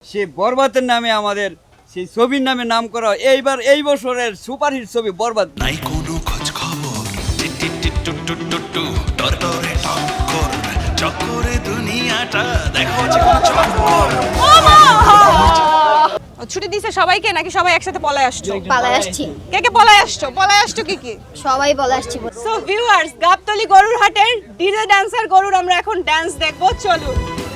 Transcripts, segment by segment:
সে বরবাদের নামে আমাদের সেই ছবির নামে নাম করা হয়। এইবার এই বছরের সুপারহিট ছবি বরবাদ। নাই কোনো খোঁজ খবর টিটিটিটুটুটুটু টরটরে টক্কর চক্করে দুনিয়াটা দেখো যে কোন চক্কর। ছুটি দিছে সবাইকে নাকি সবাই একসাথে পলায় আসছো? পালায় আসছি, কে কে পলায় আসছো? পলায় আসছো কি কি? সবাই বলে আসছি। সো ভিউয়ার্স, গাবতলী গরুর হাটের ডিজে ডান্সার গরুর আমরা এখন ডান্স দেখবো, চলুন।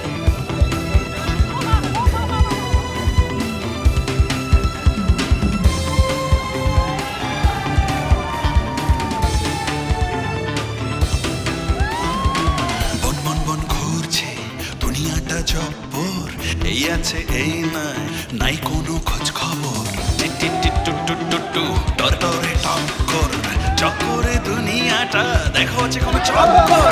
বন বন বন ঘুরছে দুনিয়াটা জব্বর এই আছে এই নাই নাই কোনো খোঁজ খবর টিটিটিটুটুটু টরটরে টক্কর চক্করে দুনিয়াটা দেখো যে কোন চক্কর।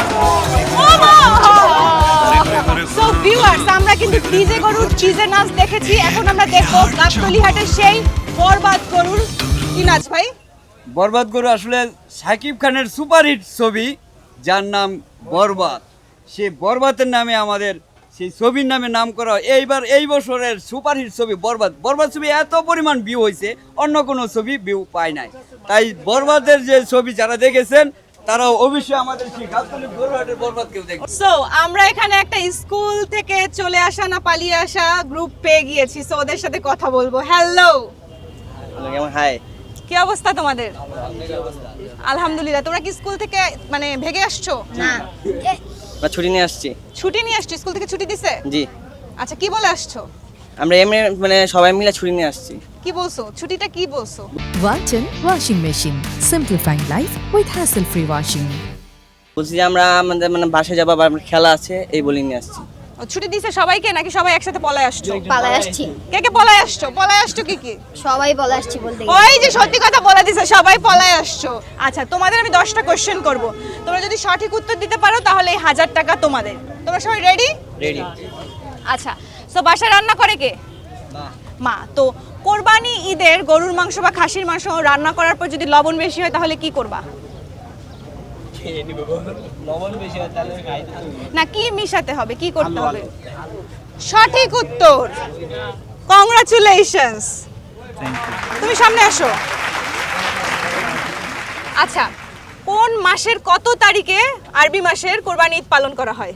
সো ভিউয়ার্স, আমরা কিন্তু ডিজে গরুর ডিজে নাচ দেখেছি, এখন আমরা দেখবো গাবতলী হাটের সেই বরবাদ গরুর কি নাচ ভাই? বরবাদ গরু আসলে সাকিব খানের সুপারহিট ছবি, যার নাম বরবাদ। সে বরবাদের নামে আমাদের সেই ছবির নামে নাম করা হয়। এইবার এই বছরের সুপারহিট ছবি বরবাদ। বরবাদ ছবি এত পরিমাণ ভিউ হয়েছে, অন্য কোনো ছবি ভিউ পায় নাই। তাই বরবাদের যে ছবি যারা দেখেছেন তারা অবশ্যই আমাদের সেই গাবতলী গরুহাটের বরবাদকেও দেখবে। সো আমরা এখানে একটা স্কুল থেকে চলে আসা না পালিয়ে আসা গ্রুপ পেয়ে গিয়েছি, সো ওদের সাথে কথা বলবো। হ্যালো, হাই, কি অবস্থা তোমাদের? আলহামদুলিল্লাহ। তোমরা কি স্কুল থেকে মানে ভেগে আসছো? না, ছুটি নিয়ে আসছি। ছুটি নিয়ে আসছো? স্কুল থেকে ছুটি দিছে? জি, আচ্ছা, কি বলে আসছো? আমরা এমনি মানে সবাই মিলে ছুটি নিয়ে আসছি। কি বলছো? ছুটিটা কি বলছো? Walton Washing Machine. Simplifying life with hassle-free washing. বলছি যে আমরা আমাদের মানে বাসায় যাবো, আবার আমার খেলা আছে, এই বলে নিয়ে আসছি। ও, ছুটি দিছে সবাইকে নাকি সবাই একসাথে পলায় আসছো? পালায় আসছি, কে কে পলায় আসছো? পলায় আসছো কি কি? সবাই বলে আসছি বলতে গেলে। ওই যে সত্যি কথা বলে দিছে, সবাই পলায় আসছো। আচ্ছা, তোমাদের আমি 10টা কোশ্চেন করব, তোমরা যদি সঠিক উত্তর দিতে পারো তাহলে এই 1000 টাকা তোমাদের। তোমরা সবাই রেডি? রেডি। আচ্ছা, সো বাসায় রান্না করে কে? মা। তো কোরবানি ঈদের গরুর মাংস বা খাসির মাংস রান্না করার পর যদি লবণ বেশি হয় তাহলে কি করবা? না, কি মিশাতে হবে, কি করতে হবে? সঠিক উত্তর, কংগ্রাচুলেশনস। তুমি সামনে আসো। আচ্ছা, কোন মাসের কত তারিখে আরবি মাসের কোরবানি ঈদ পালন করা হয়?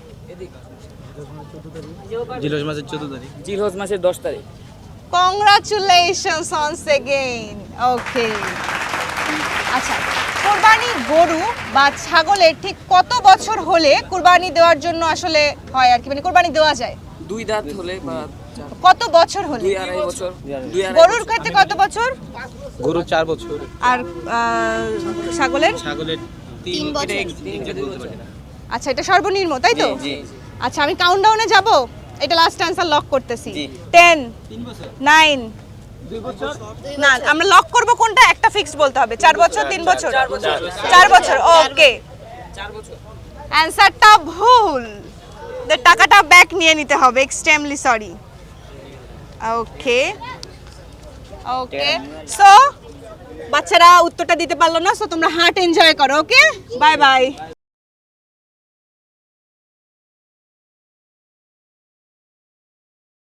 জিলহজ মাসের 14 তারিখ। জিলহজ মাসের 10 তারিখ। Congratulations once again. ওকে, আচ্ছা, কোরবানি গরু বা ছাগলের ঠিক কত বছর হলে কোরবানি দেওয়ার জন্য আসলে হয় আর কি, মানে কোরবানি দেওয়া যায়? 2 দাঁত হলে বা কত বছর হলে? 2-2.5 বছর। গরুর ক্ষেত্রে কত বছর? গরু 4 বছর, আর ছাগলের? ছাগলের 3 বছর। আচ্ছা, এটা সর্বনিম্ন, তাই তো? জি। আচ্ছা, আমি কাউন্টডাউনে যাব, এটা লাস্ট অ্যানসার লক করতেছি। জি। 10 9 না, আমরা লক করব কোনটা? একটা ফিক্স বলতে হবে। 4 বছর, 3 বছর? 4 বছর। ওকে, 4 বছর। অ্যানসারটা ভুল, টাকাটা ব্যাক নিয়ে নিতে হবে, extremely sorry. Okay okay, so বাচ্চারা উত্তরটা দিতে পারলো না, সো তোমরা হার্ট এনজয় করো। Okay, bye by.